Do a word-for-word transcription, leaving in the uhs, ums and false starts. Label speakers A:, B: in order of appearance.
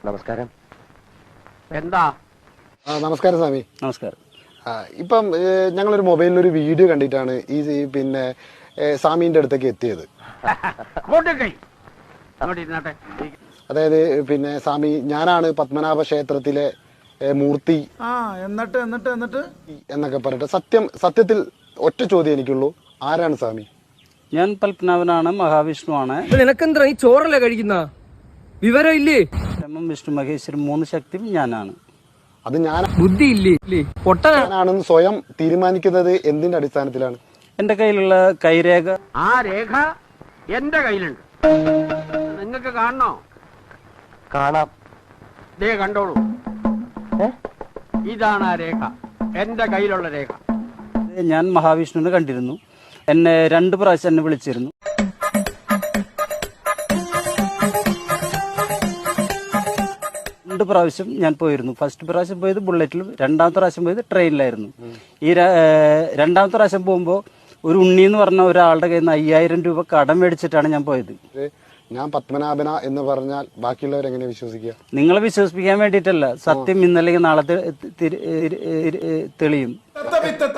A: നമസ്കാരം. എന്താ?
B: നമസ്കാരം സ്വാമി.
C: നമസ്കാരം.
B: ഇപ്പം ഞങ്ങളൊരു മൊബൈലിൽ ഒരു വീഡിയോ കണ്ടിട്ടാണ് ഈ പിന്നെ സ്വാമീന്റെ അടുത്തേക്ക് എത്തിയത്. അതായത് പിന്നെ സ്വാമി, ഞാനാണ് പത്മനാഭ ക്ഷേത്രത്തിലെ മൂർത്തി
D: എന്നിട്ട് എന്നിട്ട് എന്നിട്ട്
B: എന്നൊക്കെ പറഞ്ഞിട്ട് സത്യം സത്യത്തിൽ ഒറ്റ ചോദ്യം എനിക്കുള്ളൂ, ആരാണ് സ്വാമി?
C: ഞാൻ പത്മനാഭനാണ്, മഹാവിഷ്ണുവാണ്.
E: നിനക്കെന്താ ഈ ചോറല്ലേ കഴിക്കുന്ന വിവരം ഇല്ലേ?
C: വിഷ്ണു മഹേശ്വരൻ മൂന്ന് ശക്തിയും ഞാനാണ്.
B: അത് ഞാൻ
E: ബുദ്ധി ഇല്ലേ?
B: പൊട്ടനാണെന്ന് സ്വയം തീരുമാനിക്കുന്നത് എന്തിന്റെ അടിസ്ഥാനത്തിലാണ്?
C: എന്റെ കയ്യിലുള്ള കൈരേഖ.
A: ആ രേഖ എന്റെ കയ്യിലുണ്ട്. നിങ്ങൾക്ക് കാണണോ? കാണാം. ദേ കണ്ടോളൂ. ഇതാണ് ആ രേഖ, എന്റെ കയ്യിലുള്ള രേഖ.
C: ഞാൻ മഹാവിഷ്ണുവിനെ കണ്ടിരുന്നു. എന്നെ രണ്ട് പ്രാവശ്യം എന്നെ വിളിച്ചിരുന്നു. രണ്ട് പ്രാവശ്യം ഞാൻ പോയിരുന്നു. ഫസ്റ്റ് പ്രാവശ്യം പോയത് ബുള്ളറ്റിലും, രണ്ടാമത്തെ പ്രാവശ്യം പോയത് ട്രെയിനിലായിരുന്നു. ഈ രണ്ടാമത്തെ പ്രാവശ്യം പോകുമ്പോൾ ഒരു ഉണ്ണി എന്ന് പറഞ്ഞ ഒരാളുടെ കയ്യിൽ നിന്ന് അയ്യായിരം രൂപ കടം മേടിച്ചിട്ടാണ് ഞാൻ പോയത്.
B: ഞാൻ പത്മനാഭന എന്ന് പറഞ്ഞാൽ ബാക്കിയുള്ളവർ എങ്ങനെ വിശ്വസിക്കുക?
C: നിങ്ങളെ വിശ്വസിപ്പിക്കാൻ വേണ്ടിയിട്ടല്ല, സത്യം ഇന്നല്ലെങ്കിൽ നാളെ തെളിയും.